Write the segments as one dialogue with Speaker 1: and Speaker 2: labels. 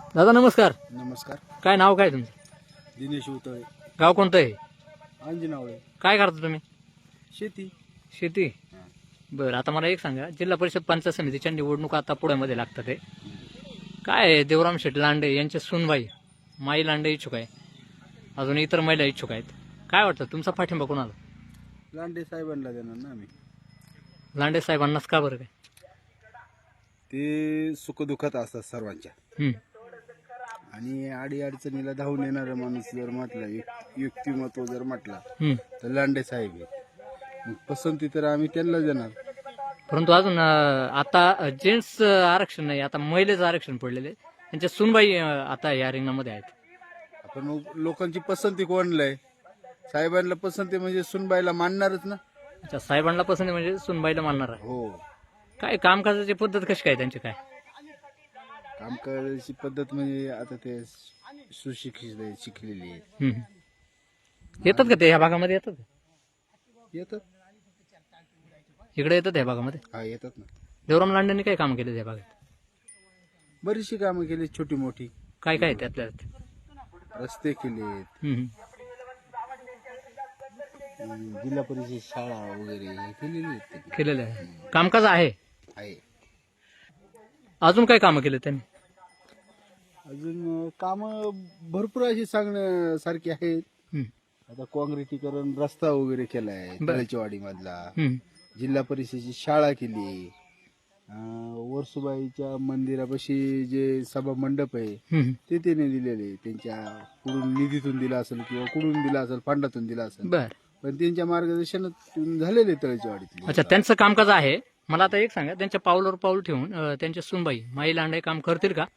Speaker 1: दादा नमस्कार.
Speaker 2: नमस्कार.
Speaker 1: काय नाव काय तुमचं?
Speaker 2: दिनेश उतळे.
Speaker 1: गाव कोणतं आहे?
Speaker 2: अंजनावळे.
Speaker 1: काय करता तुम्ही?
Speaker 2: शेती.
Speaker 1: शेती. बरं, आता मला एक सांगा, जिल्हा परिषद पंचायत समितीच्या निवडणुका आता पुण्यामध्ये लागतात आहे. काय आहे, देवराम शेठ लांडे यांचे सुनबाई माई लांडे इच्छुक आहे, अजून इतर महिला इच्छुक आहेत. काय वाटतं तुमचा पाठिंबा कोणाला?
Speaker 2: लांडे साहेबांना देणार ना आम्ही.
Speaker 1: लांडे साहेबांनाच का बरं काय?
Speaker 2: ते सुखदुःखात असतात सर्वांच्या
Speaker 1: हम्म.
Speaker 2: आणि आडी अडचणीला धावून येणारा माणूस जर म्हटला, व्यक्तिमत्व जर म्हटला
Speaker 1: हम्म.
Speaker 2: तर लांडे साहेब आहे. मग पसंती तर आम्ही त्यांना देणार.
Speaker 1: परंतु अजून आता जेंट्स आरक्षण नाही, आता महिलेचं आरक्षण पडलेले, त्यांच्या सुनबाई आता या रिंगणामध्ये आहेत.
Speaker 2: आपण मग लोकांची पसंती कोणला आहे? साहेबांना पसंती म्हणजे सुनबाईला मानणारच ना.
Speaker 1: अच्छा, साहेबांना पसंत म्हणजे सुनबाईला मानणार आहे.
Speaker 2: हो.
Speaker 1: काय कामकाजाची पद्धत कशी काय त्यांची काय?
Speaker 2: काम करायची पद्धत म्हणजे आता ते सुशिक्षित आहे, शिकलेली आहे.
Speaker 1: हम्म. येतात का ते ह्या भागामध्ये येतात का?
Speaker 2: येतात.
Speaker 1: इकडे येतात ह्या भागामध्ये?
Speaker 2: हा, येतात ना.
Speaker 1: देवराम लांडेंनी काय काम केले त्या भागात?
Speaker 2: बरीचशी कामं केली, छोटी मोठी.
Speaker 1: काय काय त्यातल्या
Speaker 2: रस्ते केलेत, जिल्हा परिषद शाळा वगैरे हे केलेली आहेत त्यांनी.
Speaker 1: केलेलं आहे, कामकाज आहे.
Speaker 2: आहे.
Speaker 1: अजून काय कामं केले त्यांनी?
Speaker 2: अजून कामं भरपूर अशी सांगण्यासारखी आहेत.
Speaker 1: हम्म.
Speaker 2: आता काँक्रिटीकरण रस्ता वगैरे केलाय
Speaker 1: बरं.
Speaker 2: तळेचीवाडी मधला.
Speaker 1: हम्म.
Speaker 2: जिल्हा परिषदेची शाळा केली. वर्सुबाईच्या मंदिरापाशी जे सभा मंडप आहे
Speaker 1: हम्म.
Speaker 2: ते त्याने दिलेले. त्यांच्या कुठून निधीतून दिला असेल किंवा कुठून दिला असेल, फंडातून दिला असेल,
Speaker 1: बर.
Speaker 2: पण त्यांच्या मार्गदर्शनातून झालेले तळेचीवाडीतले.
Speaker 1: अच्छा, त्यांचं कामकाज आहे. मला आता एक सांगा, त्यांच्या पावलावर पाऊल ठेवून त्यांच्या सुनबाई माई लांडे काम करतील का?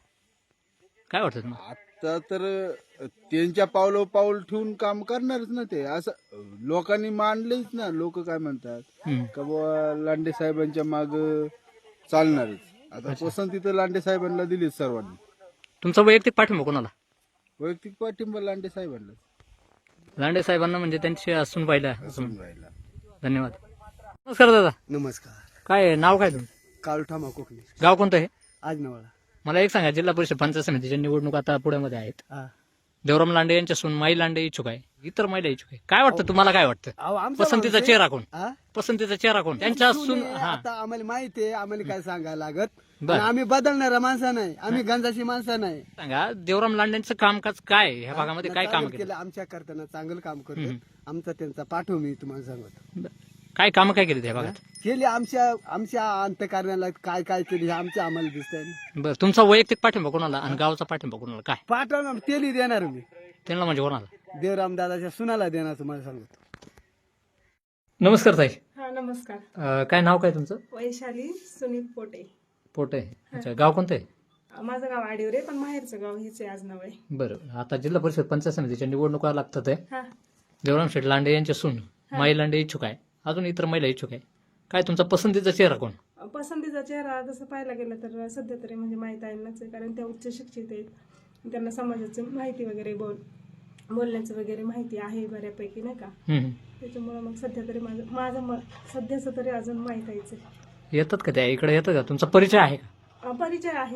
Speaker 1: काय वाटतं तुम्हाला?
Speaker 2: आता तर त्यांच्या पावलं पाऊल ठेवून काम करणारच ना ते. असं लोकांनी मानलंच ना. लोक काय म्हणतात
Speaker 1: हम्म.
Speaker 2: का बाबा लांडे साहेबांच्या माग चालणारच. आता पसंती तर लांडे साहेबांना दिलीच सर्वांनी.
Speaker 1: तुमचा वैयक्तिक पाठिंबा कोणाला?
Speaker 2: वैयक्तिक पाठिंबा लांडे साहेबांना.
Speaker 1: लांडे साहेबांना म्हणजे त्यांच्या सुनबाईला.
Speaker 2: राहिला.
Speaker 1: धन्यवाद. नमस्कार दादा.
Speaker 3: नमस्कार.
Speaker 1: काय नाव काय तुमचं?
Speaker 3: काळुठामा कोकणी.
Speaker 1: गाव कोणतं आहे?
Speaker 3: आजनवाळा.
Speaker 1: मला एक सांगा, जिल्हा परिषद पंचायत समितीच्या निवडणूक आता पुण्यामध्ये आहेत.
Speaker 3: हा.
Speaker 1: देवराम लांडे यांच्या सून माई लांडे इच्छुक आहे, इतर महिला इच्छुक आहे. काय वाटतं तुम्हाला? काय वाटतं
Speaker 3: अहो, आमचा
Speaker 1: पसंतीचा
Speaker 3: माणूस
Speaker 1: चेहरा कोण?
Speaker 3: आहे. हा?
Speaker 1: पसंतीचा चेहरा कोण? त्यांच्या
Speaker 3: सून
Speaker 1: सून.
Speaker 3: आहे,
Speaker 1: हा,
Speaker 3: आता आम्हाला माहिती आहे, आम्हाला काय सांगायला लागत.
Speaker 1: बरं.
Speaker 3: आणि आम्ही बदलणारा माणसा नाही, आम्ही गंजाची माणसं नाही.
Speaker 1: सांगा, देवराम लांडेंचं कामकाज काय ह्या भागामध्ये काय काम केलं?
Speaker 3: आमच्या करताना चांगलं काम करतो. आमचा त्यांचा पाठव मी तुम्हाला सांगतो.
Speaker 1: काय काम काय केली त्या भागात?
Speaker 3: केली आमच्या अंतकारणाला काय काय केली हे आमच्या आम्हाला दिसतंय.
Speaker 1: बरं, तुमचा वैयक्तिक पाठिंबा कोणाला आणि गावचा पाठिंबा कोणाला? काय
Speaker 3: पाठवणार तेली देणार मी.
Speaker 1: त्यांना म्हणजे कोणाला?
Speaker 3: देवराम दादाच्या सुनाला देणार तुम्हाला सांगतो.
Speaker 1: नमस्कार ताई.
Speaker 4: हा नमस्कार.
Speaker 1: काय नाव काय तुमचं?
Speaker 4: वैशाली सुनील पोटे.
Speaker 1: पोटे. अच्छा, गाव कोणतं आहे?
Speaker 4: माझं गाव आडिवरे, पण माहेरचं गाव हेच आहे आजनावळे.
Speaker 1: बरं, आता जिल्हा परिषद पंचायत समितीच्या निवडणुका लागतात आहे.
Speaker 4: हा.
Speaker 1: देवराम शेठ लांडे यांच्या सून माई लांडे इच्छुक आहे, अजून इतर महिला इच्छुक आहे. काय तुमचा पसंतीचा चेहरा कोण?
Speaker 4: पसंतीचा चेहरा तसं पाहायला गेलं तर सध्या तरी म्हणजे माहीत आहेच आहे, कारण त्या उच्च शिक्षित आहेत. त्यांना समाजाची माहिती वगैरे बोलण्याचं वगैरे माहिती आहे बऱ्यापैकी, नाही का? त्याच्यामुळे मग सध्या तरी माझं सध्याचं तरी अजून माहीत आहेच आहे.
Speaker 1: येतात का त्या इकडे? येतात का? तुमचा परिचय आहे का?
Speaker 4: परिचय आहे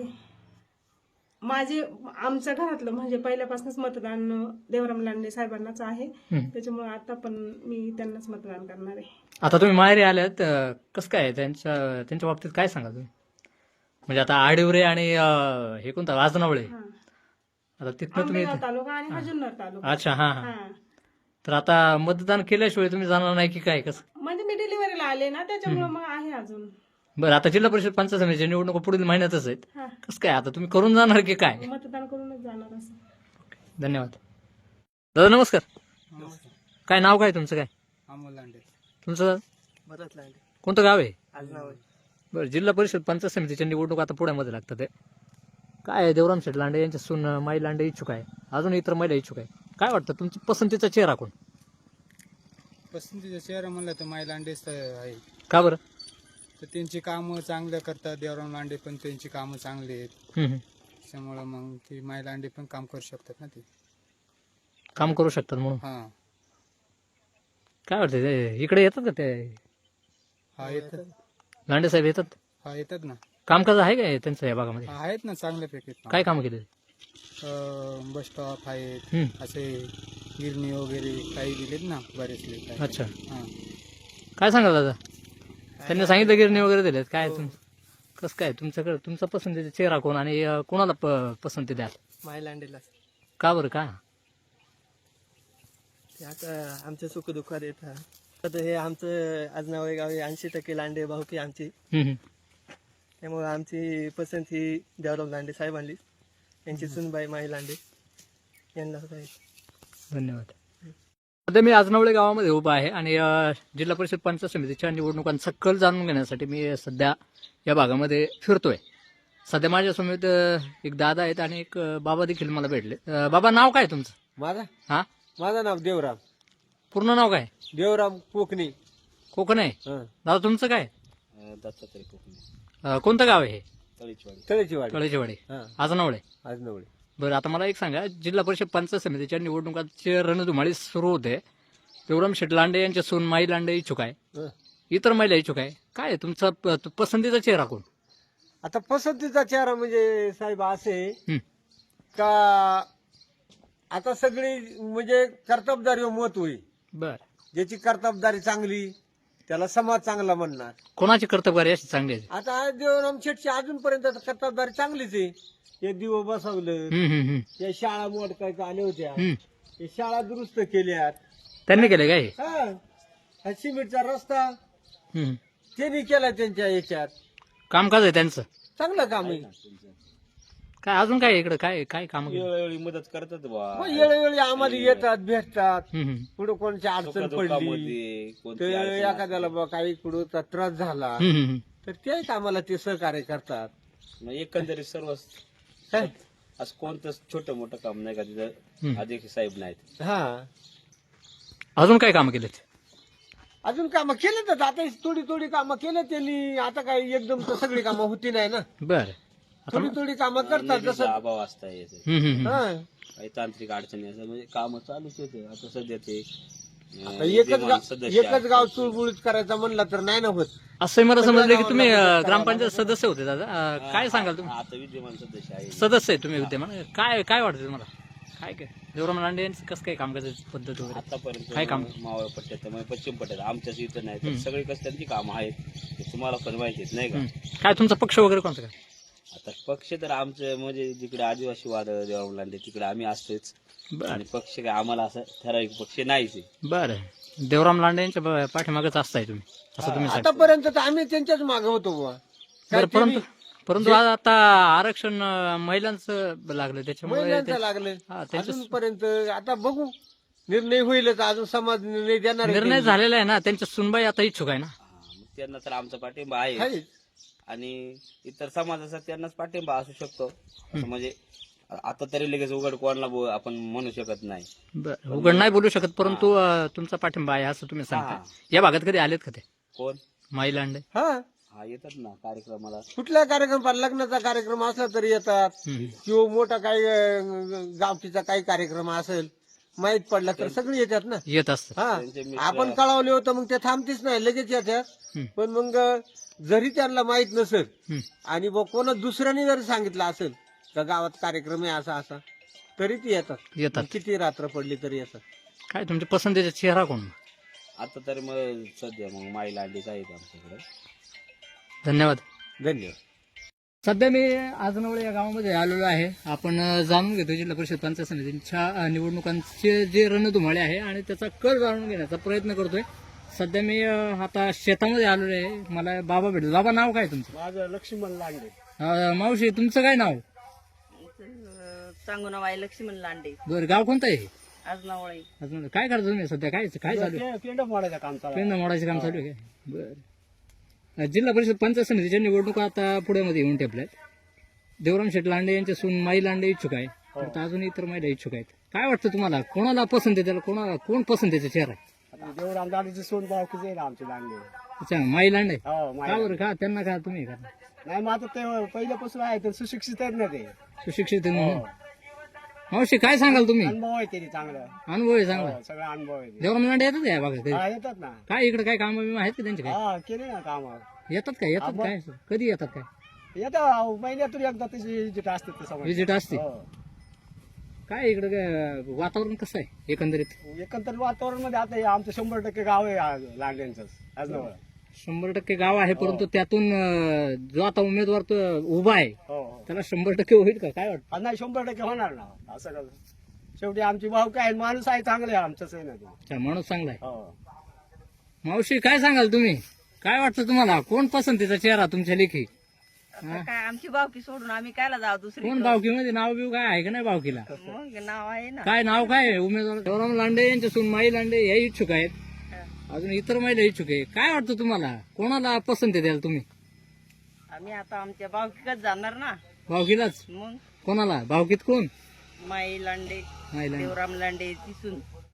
Speaker 4: आमच्या घरातलं म्हणजे पहिल्यापासूनच मतदान देवराम लांडे साहेबांनाच आहे. त्याच्यामुळे आता पण मी त्यांनाच मतदान करणार आहे.
Speaker 1: आता तुम्ही माहेरी आल्यात, कसं काय त्यांच्या बाबतीत काय सांगा तुम्ही? म्हणजे आता आडिवरे आणि हे कोणतं आजनावळे, आता तिथनं तुम्ही.
Speaker 4: आंबेगाव तालुका आणि हा जुन्नर तालुका.
Speaker 1: अच्छा, हा हा. तर आता मतदान केल्याशिवाय तुम्ही जाणार नाही की काय? कसं
Speaker 4: म्हणजे मी डिलिव्हरीला आले ना, त्याच्यामुळे मग आहे अजून.
Speaker 1: बरं, आता जिल्हा परिषद पंचायत समितीच्या निवडणुका पुढील महिन्यातच आहेत.
Speaker 4: हा.
Speaker 1: कसं काय आता तुम्ही करून जाणार की काय?
Speaker 4: मतदान करूनच जाणार असं.
Speaker 1: धन्यवाद. दादा नमस्कार. काय नाव काय तुमचं? काय
Speaker 3: अमोल लांडे.
Speaker 1: तुमचं?
Speaker 3: भरत लांडे.
Speaker 1: कोणतं गाव आहे?
Speaker 3: आजनावळे.
Speaker 1: बरं, जिल्हा परिषद पंचायत समितीच्या निवडणूक आता पुण्यामध्ये लागतात आहे. काय आहे, देवराम शेठ लांडे यांच्या सून माई लांडे इच्छुक आहे, अजून इतर महिला इच्छुक आहे. काय वाटतं तुमचा पसंतीचा चेहरा कोण?
Speaker 5: पसंतीचा चेहरा म्हणलं तर माई लांडेच आहे.
Speaker 1: का बरं?
Speaker 5: तर त्यांची कामं चांगलं करतात. देवराम लांडे पण त्यांची कामं चांगली आहेत. त्यामुळं मग ती माई लांडे पण काम करू शकतात ना. ते
Speaker 1: काम करू शकतात म्हणून.
Speaker 5: हा.
Speaker 1: काय वाटतं ते इकडे येतात का ते
Speaker 5: हा येतात.
Speaker 1: लांडे साहेब? येतात.
Speaker 5: हा येतात ना.
Speaker 1: कामकाज आहे काय त्यांचं या भागामध्ये?
Speaker 5: हा आहेत ना चांगल्यापैकी.
Speaker 1: काय काम केले?
Speaker 5: बस स्टॉप आहेत
Speaker 1: हम्म.
Speaker 5: असे गिरणी वगैरे काही दिलेत ना बरेचले काही.
Speaker 1: अच्छा,
Speaker 5: हा.
Speaker 1: काय सांगाल दादा? त्यांनी सांगितलं गिरणी वगैरे दिलेत. काय कसं काय तुमच्याकडे तुमचा पसंतीचा चेहरा कोण आणि कोणाला पसंती द्याल?
Speaker 6: मायलांडीला
Speaker 1: का बरं का?
Speaker 6: ते आता आमच्या सुखदुःखात येतात. आता हे आमचं आजनावळे गाव 80% लांडे भाऊकी आमची,
Speaker 1: हम्म, हम्म.
Speaker 6: त्यामुळे आमची पसंत ही देवराव लांडे साहेबांनी, यांची सुनबाई माई लांडे यांना आहे.
Speaker 1: धन्यवाद. सध्या मी आजनावळे गावामध्ये उभा आहे आणि जिल्हा परिषद पंचायत समितीच्या निवडणुकांचा कल जाणून घेण्यासाठी मी सध्या या भागामध्ये फिरतोय. सध्या माझ्यासमोर एक दादा आहेत आणि एक बाबा देखील मला भेटले. बाबा, नाव काय तुमचं? हा,
Speaker 3: माझं नाव देवराम
Speaker 1: पूर्ण नाव काय?
Speaker 3: देवराम कोकणी.
Speaker 1: कोकण आहे.
Speaker 3: हं.
Speaker 1: दादा तुमचं काय?
Speaker 2: दत्तात्रय कोकणी,
Speaker 1: कोणतं गाव आहे हे?
Speaker 3: तळेची वाडी.
Speaker 1: तळेचेवाडी,
Speaker 3: हं.
Speaker 1: आजनावळे.
Speaker 3: आज नवळे.
Speaker 1: बरं, आता मला एक सांगा, जिल्हा परिषद पंचायत समितीच्या निवडणुकांची रणधुमाळी सुरू होते. देवराम शेठ लांडे यांच्या सून माई लांडे इच्छुक आहे,
Speaker 3: हं.
Speaker 1: इतर महिला इच्छुक आहे. काय आहे तुमचा पसंतीचा चेहरा कोण?
Speaker 3: आता पसंतीचा चेहरा म्हणजे साहेब असे
Speaker 1: हं.
Speaker 3: का आता सगळी म्हणजे कर्तबदारी मत होईल.
Speaker 1: बर,
Speaker 3: ज्याची कर्तबदारी चांगली त्याला समाज चांगला म्हणणार.
Speaker 1: कोणाची कर्तबगारी अशी चांगली आहे?
Speaker 3: आता देवराम शेठची अजूनपर्यंत कर्तबदारी चांगलीच आहे. हे दिवं बसवलं,
Speaker 1: हम्म, हम्म, हम्म.
Speaker 3: या शाळा मोडकायच्या आल्या होत्या,
Speaker 1: हम्म.
Speaker 3: हे शाळा दुरुस्त केल्यात.
Speaker 1: त्यांनी केले काय?
Speaker 3: हा, हा सिमेंटचा रस्ता
Speaker 1: हम्म.
Speaker 3: त्यांनी केला त्यांच्या याच्यात.
Speaker 1: कामकाज आहे त्यांचं.
Speaker 3: चांगलं काम आहे.
Speaker 1: काय अजून काय इकडे काय काय काम?
Speaker 2: वेळोवेळी मदत करतात बा.
Speaker 3: मग वेळोवेळी आम्हाला येतात, भेटतात.
Speaker 1: हम्म,
Speaker 3: पुढे कोणची अडचण पडली
Speaker 2: कोणती
Speaker 3: तर
Speaker 2: अडचण
Speaker 3: एखाद्याला बा काही कुठं त्रास झाला
Speaker 1: हम्म, हम्म.
Speaker 3: तर तेच आम्हाला ते सहकार्य करतात.
Speaker 2: मग एकंदरीत सर्व
Speaker 3: काय?
Speaker 2: असं कोणतंच छोटं मोठं काम नाही का तिथं
Speaker 1: हम्म.
Speaker 2: अधिक साहेब नाहीत.
Speaker 3: हा,
Speaker 1: अजून काय काम केलेत?
Speaker 3: अजून कामं केले तर आता थोडी थोडी कामं केले त्यांनी. आता काही एकदम तर सगळी कामं होती नाही ना.
Speaker 1: बर,
Speaker 3: थोडी थोडी कामं करतात
Speaker 2: निधीचा
Speaker 3: जसं.
Speaker 2: अभाव असता येते,
Speaker 3: हा.
Speaker 2: काही तांत्रिक अडचणी असं म्हणजे काम चालूच होते. आता सध्या ते
Speaker 3: आता एकच गाव चुळबुळीत करायचा म्हणला तर नाही ना होत.
Speaker 1: असं मला समजलं की तुम्ही ग्रामपंचायत सदस्य होते दादा. काय सांगाल तुम्ही?
Speaker 2: आता विद्यमान सदस्य आहे.
Speaker 1: सदस्य आहे तुम्ही विद्यमान. काय काय वाटतं तुम्हाला? काय काय देवराम लांडे यांचं कसं काय काम करायची पद्धत वगैरे?
Speaker 2: आतापर्यंत
Speaker 1: काय काम?
Speaker 2: मावळ पट्ट्यात त्यामुळे पश्चिम पट्ट्यात आमच्याच इथं नाही तर सगळी कसं त्यांची कामं आहेत ते तुम्हाला पण माहिती आहेत नाही का.
Speaker 1: हम्म. काय तुमचा पक्ष वगैरे कोणता काय?
Speaker 2: आता पक्ष तर आमचं म्हणजे जिकडे आदिवासी वाद देवराम लांडे तिकडे आम्ही असतोच
Speaker 1: बरं
Speaker 2: आणि पक्ष काय आम्हाला असं ठराविक पक्ष नाहीच आहे.
Speaker 1: बरं, देवराम लांडे यांच्या पाठीमागच असताय तुम्ही, असं तुम्ही सांगता.
Speaker 3: आतापर्यंत तर आम्ही त्यांच्याच मागे होतो बुवा.
Speaker 1: बरं, परंतु आज आता आरक्षण महिलांचं लागलं त्याच्यामुळे
Speaker 3: महिलांचं लागलं
Speaker 1: हा, त्यांचं
Speaker 3: अजूनपर्यंत. आता बघू, निर्णय होईलच. अजून समाज निर्णय देणार आहे.
Speaker 1: निर्णय झालेला आहे ना. त्यांच्या सुनबाई आता इच्छुक आहे ना.
Speaker 2: मग त्यांना तर आमचा पाठिंबा आहे
Speaker 3: आहे.
Speaker 2: आणि इतर समाजाचा त्यांनाच पाठिंबा असू शकतो असं म्हणजे आता तरी लगेच उघड कोणाला आपण म्हणू शकत नाही.
Speaker 1: बरं, उघड नाही बोलू शकत, परंतु तुमचा पाठिंबा आहे असं तुम्ही सांगता. या भागात कधी आलेत का ते
Speaker 2: कोण
Speaker 1: माई लांडे?
Speaker 3: हा,
Speaker 2: हा येतात ना कार्यक्रमाला.
Speaker 3: कुठला कार्यक्रम, लग्नाचा कार्यक्रम असला तरी येतात.
Speaker 1: हम्म.
Speaker 3: किंवा मोठा काही गावकीचा काही कार्यक्रम असेल माहित पडला तर सगळे येतात ना.
Speaker 1: येत असत.
Speaker 3: हा,
Speaker 2: त्यांचे मित्र-
Speaker 3: आपण कळवले होतं मग ते थांबतीच नाही, लगेच येतात.
Speaker 1: हम्म.
Speaker 3: पण मग जरी त्यांना माहित नसेल
Speaker 1: हम्म.
Speaker 3: आणि कोणा दुसऱ्याने जरी सांगितलं असेल का गावात कार्यक्रम आहे असा असा तरी ती येतात.
Speaker 1: येतात.
Speaker 3: मग किती रात्र पडली तरी येतात.
Speaker 1: काय तुमच्या पसंतीचा चेहरा कोण?
Speaker 2: आता तरी मग सध्या मग माई लांडीच आहेत आमच्याकडे.
Speaker 1: धन्यवाद.
Speaker 3: धन्यवाद.
Speaker 1: सध्या मी आजनवळे या गावामध्ये आलेलो आहे. आपण जाणून घेतो जिल्हा परिषद पंचायत समितीच्या निवडणुकांचे जे रणधुमाळे आहे आणि त्याचा कल जाणून घेण्याचा प्रयत्न करतोय. सध्या मी आता शेतामध्ये आलेलो आहे. मला बाबा भेटलो. बाबा, नाव काय तुमचं?
Speaker 3: माझं लक्ष्मण लांडे.
Speaker 1: मावशी, तुमचं काय नाव?
Speaker 7: सांगू नाव आहे लक्ष्मण लांडे,
Speaker 1: बरं, गाव कोणतं आहे?
Speaker 7: आजनावळे.
Speaker 1: अजून काय करता तुम्ही सध्या? काय काय चालू आहे?
Speaker 3: पेंड मोडायचं काम चालू आहे.
Speaker 1: पेंड मोडायचं काम चालू आहे काय? बरं. जिल्हा परिषद पंचायत समितीच्या निवडणुका आता पुण्यामध्ये येऊन ठेपल्यात. देवराम शेठ लांडे यांच्या सून माई लांडे इच्छुक आहे, तर अजून इतर महिला इच्छुक आहेत. काय वाटतं तुम्हाला? कोणाला पसंत आहे? त्याला कोण पसंतीचा चेहरा आहे?
Speaker 3: देवराम लांडेची सोन भावकीच आहे आमचे लांडे.
Speaker 1: अच्छा, माई लांडे.
Speaker 3: हो,
Speaker 1: का बरं? का त्यांना का तुम्ही का
Speaker 3: नाही मग आता ते पहिल्यापासून आहे तर सुशिक्षित आहेत ना, ते
Speaker 1: सुशिक्षित आहे म्हणून? मावशी, काय सांगाल तुम्ही?
Speaker 3: अनुभव आहे त्यांनी चांगला.
Speaker 1: अनुभव आहे चांगला.
Speaker 3: सगळा अनुभव आहे.
Speaker 1: देवराम लांडे येतात या भागात कधी?
Speaker 3: हा, येतात ना.
Speaker 1: काय इकडे काय काम आहेत का त्यांचे? काय
Speaker 3: हा, केले ना काम.
Speaker 1: येतात काय? येतात काय? कधी येतात काय?
Speaker 3: येतात महिन्यातून एकदा त्याची विजिट असते ते समोर.
Speaker 1: विजिट असते.
Speaker 3: हो.
Speaker 1: काय इकडं काय वातावरण कसं आहे एकंदरीत?
Speaker 3: एकंदर वातावरण मध्ये आता हे आमचं 100% गाव आहे लांड्यांचं आजनावळा.
Speaker 1: 100% गाव आहे, परंतु त्यातून जो आता उमेदवार तो उभा आहे
Speaker 3: हो
Speaker 1: त्याला 100% होईल का? काय वाटतं?
Speaker 3: नाही 100% होणार ना. असं कसं शेवटी आमची भाऊ काय माणूस आहे चांगले आहे आमचंच आहे ना ते.
Speaker 1: अच्छा, माणूस चांगला आहे.
Speaker 3: हो.
Speaker 1: मावशी काय सांगाल तुम्ही? काय वाटतं तुम्हाला? कोण पसंतीचा चेहरा तुमच्या लेखी?
Speaker 7: आता काय आमची बावकी सोडून आम्ही कायला जाऊ दुसरी?
Speaker 1: कोण बावकीमध्ये नाव बिव काय आहे का नाही बावकीला?
Speaker 7: मग नाव आहे ना.
Speaker 1: काय नाव काय आहे उमेदवार? देवराम लांडे यांच्या सून माई लांडे या इच्छुक आहेत, अजून इतर महिला इच्छुक आहे. काय वाटतं तुम्हाला? कोणाला पसंती द्याल तुम्ही?
Speaker 7: आम्ही आता आमच्या बावकीकच जाणार ना.
Speaker 1: भावकीलाच?
Speaker 7: मग
Speaker 1: कोणाला? भावकीत कोण?
Speaker 7: माई लांडे,
Speaker 1: माई लांडे.
Speaker 7: देवराम लांडे तिसून